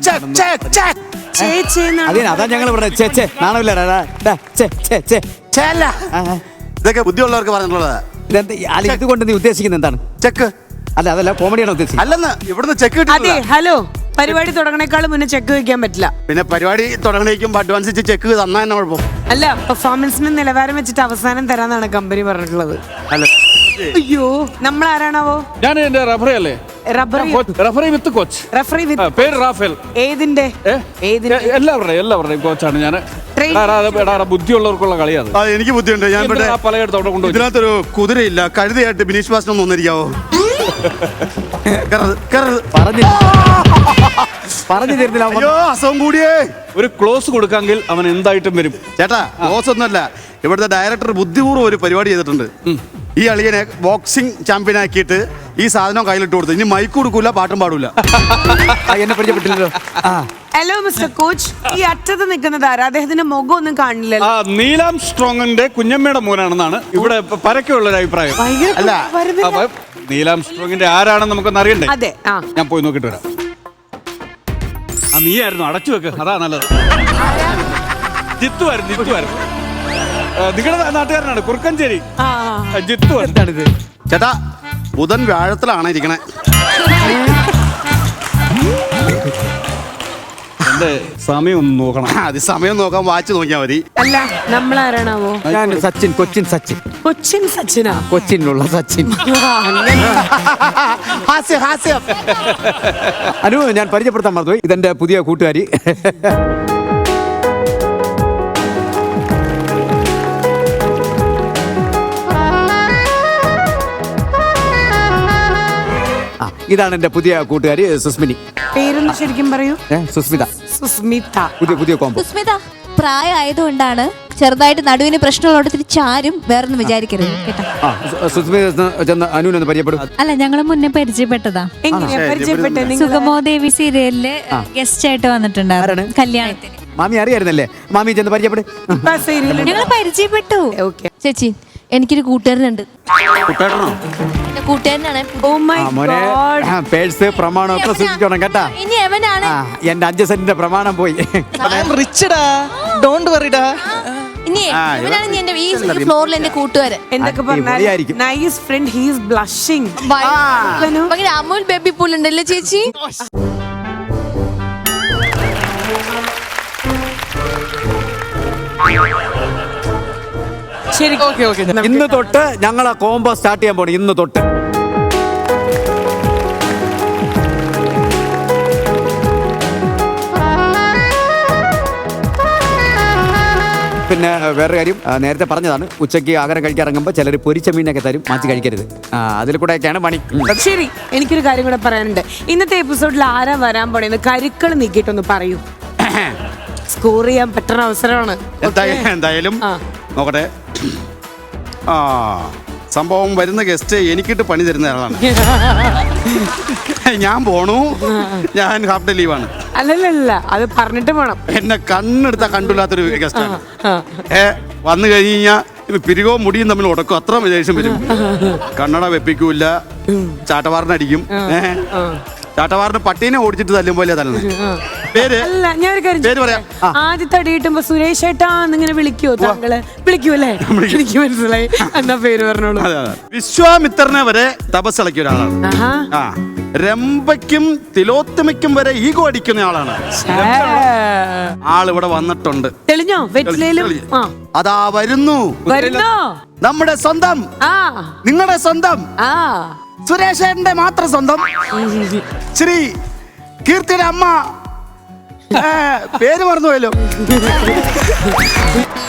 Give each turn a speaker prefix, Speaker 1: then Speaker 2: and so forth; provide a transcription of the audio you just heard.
Speaker 1: അതാ ഞങ്ങൾ പറഞ്ഞത്.
Speaker 2: ഇതൊക്കെ ബുദ്ധിയുള്ളവർക്ക് പറഞ്ഞിട്ടുള്ളതാ.
Speaker 1: ഇതുകൊണ്ട് നീ ഉദ്ദേശിക്കുന്നത് എന്താണ്?
Speaker 2: ചെക്ക്
Speaker 1: അല്ല, അതല്ല, കോമഡിയാണ് ഉദ്ദേശിച്ചത്.
Speaker 2: അല്ലെന്ന് ഇവിടുന്ന് ചെക്ക്
Speaker 3: അതെ. ഹലോ, പരിപാടി തുടങ്ങണേക്കാളും മുന്നേ ചെക്ക് വെക്കാൻ പറ്റില്ല.
Speaker 2: പിന്നെ പരിപാടി തുടങ്ങണേക്കും അഡ്വാൻസ് ചെക്ക് തന്നാ തന്നെ കുഴപ്പം.
Speaker 3: അല്ല, പെർഫോമൻസിന് നിലവാരം വെച്ചിട്ട് അവസാനം തരാന്നാണ് കമ്പനി പറഞ്ഞിട്ടുള്ളത്.
Speaker 2: അല്ല,
Speaker 3: അയ്യോ, നമ്മൾ ആരാണാവോ?
Speaker 4: ഞാൻ എന്റെ റഫറി അല്ലേ? Referee with coach.
Speaker 3: Referee with
Speaker 4: പേര് റാഫേൽ.
Speaker 3: ഏതിന്റെ?
Speaker 4: എല്ലാവരുടെയും കോച്ചാണ് ഞാൻ. ബുദ്ധിയുള്ളവർക്കുള്ള കളിയാണ്.
Speaker 2: എനിക്ക് ബുദ്ധിയുണ്ട്. ഞാൻ
Speaker 4: പലയിടത്തോടെ കൊണ്ടുപോയി.
Speaker 2: ഇതിനകത്തൊരു കുതിരയില്ല, കഴുതയായിട്ട് ബിനീഷ് ബാസ്റ്റൻ ഒന്ന് വന്നിരിക്കാവോ?
Speaker 1: പറഞ്ഞു തരുന്നില്ല.
Speaker 2: അയ്യോ, അസുഖം കൂടിയേ.
Speaker 4: ഒരു ക്ലോസ് കൊടുക്കാമെങ്കിൽ അവൻ എന്തായിട്ടും വരും.
Speaker 2: ചേട്ടാ, ക്ലോസ് ഒന്നുമല്ല, ഇവിടുത്തെ ഡയറക്ടർ ബുദ്ധിപൂർവ്വം ഒരു പരിപാടി ചെയ്തിട്ടുണ്ട്. ഈ അളിയനെ ബോക്സിംഗ് ചാമ്പ്യൻ ആക്കിയിട്ട് ഈ സാധനം കയ്യിലിട്ട് കൊടുത്തു. ഇനി മൈക്ക് കൊടുക്കൂല, പാട്ടും പാടൂല.
Speaker 1: എന്നെ പരിചയപ്പെട്ടില്ലല്ലോ.
Speaker 3: ഹലോ മിസ്റ്റർ കോച്ച്, ഈ അറ്റത്ത് നിൽക്കുന്നത് ആരാ? അദ്ദേഹത്തിന്റെ മുഖം ഒന്നും കാണില്ലല്ലോ.
Speaker 4: നീലാം സ്ട്രോങ്ങിന്റെ കുഞ്ഞമ്മയുടെ മോനാണെന്നാണ് ഇവിടെ പരക്കെയുള്ള ഒരു അഭിപ്രായം.
Speaker 2: അല്ല,
Speaker 4: നീലാം സ്ട്രോങ്ങിന്റെ ആരാണെന്ന് നമുക്കൊന്ന് അറിയണ്ടേ?
Speaker 3: അതെ.
Speaker 4: ഞാൻ പോയി നോക്കിട്ട് വരാം. നീയായിരുന്നു, അടച്ചു വെക്ക്, അതാ നല്ലത്. ജിത്തുവായിരുന്നു. നിങ്ങളുടെ നാട്ടുകാരനാണ്, കുറുക്കഞ്ചേരി ജിത്തു.
Speaker 1: എന്താണിത്
Speaker 2: ചേട്ടാ? ബുധൻ വ്യാഴത്തിലാണ് ഇരിക്കണേ.
Speaker 4: എന്റെ സമയം ഒന്ന് നോക്കണം.
Speaker 2: അത് സമയം നോക്കാൻ വാച്ച് നോക്കിയാൽ മതി.
Speaker 3: അല്ല, നമ്മൾ ആരാണാവോ?
Speaker 1: ഞാൻ സച്ചിൻ, കൊച്ചിൻ സച്ചിൻ.
Speaker 3: കൊച്ചിൻ സച്ചിനാ?
Speaker 1: കൊച്ചിനുള്ള സച്ചിൻ. അനു, ഞാൻ പരിചയപ്പെടുത്താൻ മറന്നുപോയി. ഇതെന്റെ പുതിയ കൂട്ടുകാരി. ഇതാണ് എന്റെ പുതിയ കൂട്ടുകാരി സുസ്മിനി.
Speaker 3: പേരൊന്ന് ശരിക്കും പറയൂ.
Speaker 1: സുസ്മിത.
Speaker 3: സുസ്മിത.
Speaker 1: പുതിയ കോമ്പോ.
Speaker 5: സുസ്മിത പ്രായമായതുകൊണ്ടാണ് ചെറുതായിട്ട് നടുവിന് പ്രശ്നമുള്ളടത്തിൽ ചാരും വേറൊന്നും വിചാരിക്കരുത് കേട്ടോ.
Speaker 1: സുസ്മിത അനുവിനൊന്ന് പരിചയപ്പെടും.
Speaker 5: അല്ല, ഞങ്ങൾ മുന്നേ പരിചയപ്പെട്ടതാ.
Speaker 3: എങ്ങനെയാ പരിചയപ്പെട്ടെ?
Speaker 5: സുഗമോദേവി സീരിയലില് ഗസ്റ്റ് ആയിട്ട് വന്നിട്ടുണ്ടായിരുന്നു കല്യാണത്തിന്.
Speaker 1: മാമി അറിയായിരുന്നല്ലേ? മാമി ചെന്ന് പരിചയപ്പെടും.
Speaker 5: ഞങ്ങൾ പരിചയപ്പെട്ടു. ചേച്ചി, എനിക്കൊരു കൂട്ടുകാരനുണ്ട്. കൂട്ടുകാരനാണ്.
Speaker 1: പേഴ്സ് പ്രമാണമൊക്കെ സൂക്ഷിച്ചോണം കേട്ടാ.
Speaker 5: ഇനി എവനാണ്?
Speaker 1: എന്റെ 5 സെന്റിന്റെ പ്രമാണം പോയി.
Speaker 5: ഇനി ഇവനാണ് എന്റെ ഈ ഫ്ലോറിൽ എന്റെ കൂട്ടുകാരൻ.
Speaker 3: എന്തൊക്കെ പറഞ്ഞാലും nice friend, he is blushing.
Speaker 5: ഭയങ്കര അമൂൽ ബേബി പൂൾ ഉണ്ടല്ലേ ചേച്ചി?
Speaker 3: ശരി,
Speaker 1: ഇന്ന് തൊട്ട് ഞങ്ങൾ ആ കോംബോ സ്റ്റാർട്ട് ചെയ്യാൻ പോണു. ഇന്ന് തൊട്ട് പിന്നെ വേറെ കാര്യം, നേരത്തെ പറഞ്ഞതാണ്, ഉച്ചയ്ക്ക് ആഹാരം കഴിക്കാൻ ഇറങ്ങുമ്പോൾ ചിലർ പൊരിച്ച മീനൊക്കെ തരും, മാറ്റി കഴിക്കരുത്. അതിൽ കൂടെയൊക്കെയാണ് പണി.
Speaker 3: ശരി, എനിക്കൊരു കാര്യം കൂടെ പറയാനുണ്ട്. ഇന്നത്തെ എപ്പിസോഡിൽ ആരാ വരാൻ പോണേന്ന് കരുക്കൾ നീക്കിയിട്ടൊന്ന് പറയൂ. സ്കോർ ചെയ്യാൻ പറ്റുന്ന അവസരമാണ്.
Speaker 2: എന്തായാലും നോക്കട്ടെ. സംഭവം വരുന്ന ഗസ്റ്റ് എനിക്കിട്ട് പണി തരുന്ന ആളാണ്. ഞാൻ പോണു, ഞാൻ ഹാഫ് ഡേ ലീവാണ്.
Speaker 3: അല്ലല്ല, അത് പറഞ്ഞിട്ട് വേണം.
Speaker 2: എന്നെ കണ്ണെടുത്താ കണ്ടില്ലാത്തൊരു ഗസ്റ്റാണ്. വന്നു കഴിഞ്ഞാൽ പിരികോ മുടിയും തമ്മിൽ ഉടക്കും, അത്ര വിദേശം വരും. കണ്ണട വെപ്പിക്കൂല, ചാട്ടവാറിനടിക്കും. ചാട്ടവാറിന് പട്ടീനെ ഓടിച്ചിട്ട് തല്ലും പോലെ തല്ലുന്നത്. പേര് പേര് പറയാം.
Speaker 3: ആദ്യത്തെ അടി കിട്ടുമ്പോ സുരേഷ് ഏട്ടാ എന്നിങ്ങനെ വിളിക്കുവോ താങ്കള്? വിളിക്കൂല്ലേ? എനിക്ക് മനസ്സിലായി. എന്നാ പേര് പറഞ്ഞോളൂ.
Speaker 2: വിശ്വാമിത്രനെ വരെ തപസ്സിളക്കിയ ഒരാളാണ്. രംഭയ്ക്കും തിലോത്തമയ്ക്കും വരെ ഈഗോ അടിക്കുന്ന ആളാണ്. ആളിവിടെ വന്നിട്ടുണ്ട്.
Speaker 3: തെളിഞ്ഞോ? വെറ്റിലേലും
Speaker 2: അതാ വരുന്നു. നമ്മുടെ സ്വന്തം, നിങ്ങളുടെ സ്വന്തം സുരേഷേട്ടന്റെ മാത്രം സ്വന്തം ശ്രീ കീർത്തിയുടെ അമ്മ. പേര് മറന്നുപോയല്ലോ.